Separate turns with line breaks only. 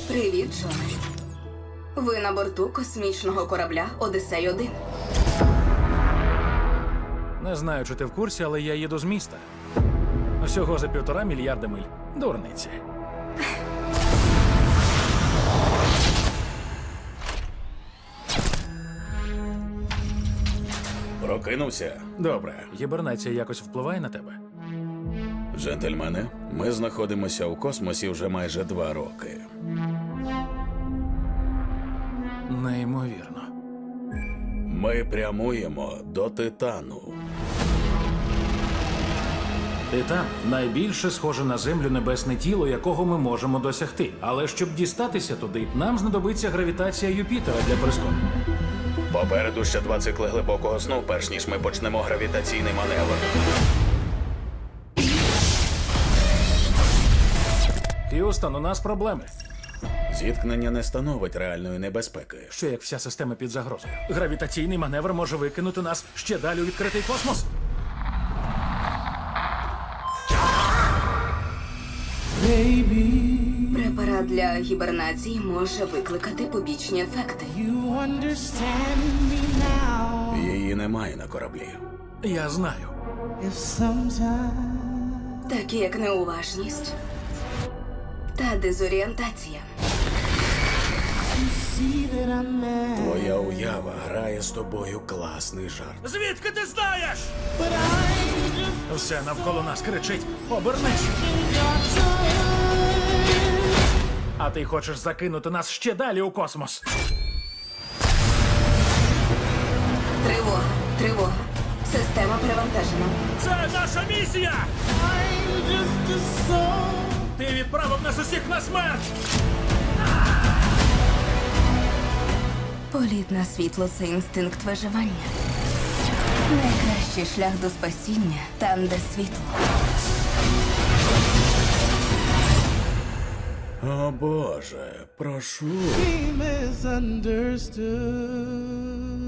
Привіт, Джоне. Ви на борту космічного корабля «Одіссей-1».
Не знаю, чи ти в курсі, але я їду з міста. Всього за 1,5 мільярда миль. Дурниці.
Прокинувся?
Добре. Гібернація якось впливає на тебе?
Джентльмени, ми знаходимося у космосі вже майже 2 роки.
Неймовірно.
Ми прямуємо до Титану.
Титан – найбільше схоже на Землю небесне тіло, якого ми можемо досягти. Але щоб дістатися туди, нам знадобиться гравітація Юпітера для прискорення.
Попереду ще 2 цикли глибокого сну, перш ніж ми почнемо гравітаційний маневр.
Х'юстон, у нас проблеми.
Зіткнення не становить реальної небезпеки.
Що як вся система під загрозою? Гравітаційний маневр може викинути нас ще далі у відкритий космос?
Препарат для гібернації може викликати побічні ефекти.
Її немає на кораблі.
Я знаю.
Такі як неуважність та дезорієнтація.
Твоя уява грає з тобою класний жарт.
Звідки ти знаєш? Все навколо нас кричить: обернись! А ти хочеш закинути нас ще далі у космос?
Тривога, тривога. Система перевантажена.
Це наша місія! Ти відправив нас усіх на смерть!
Політ на світло – це інстинкт виживання. Найкращий шлях до спасіння – там, де світло.
О Боже, прошу.
Misunderstood.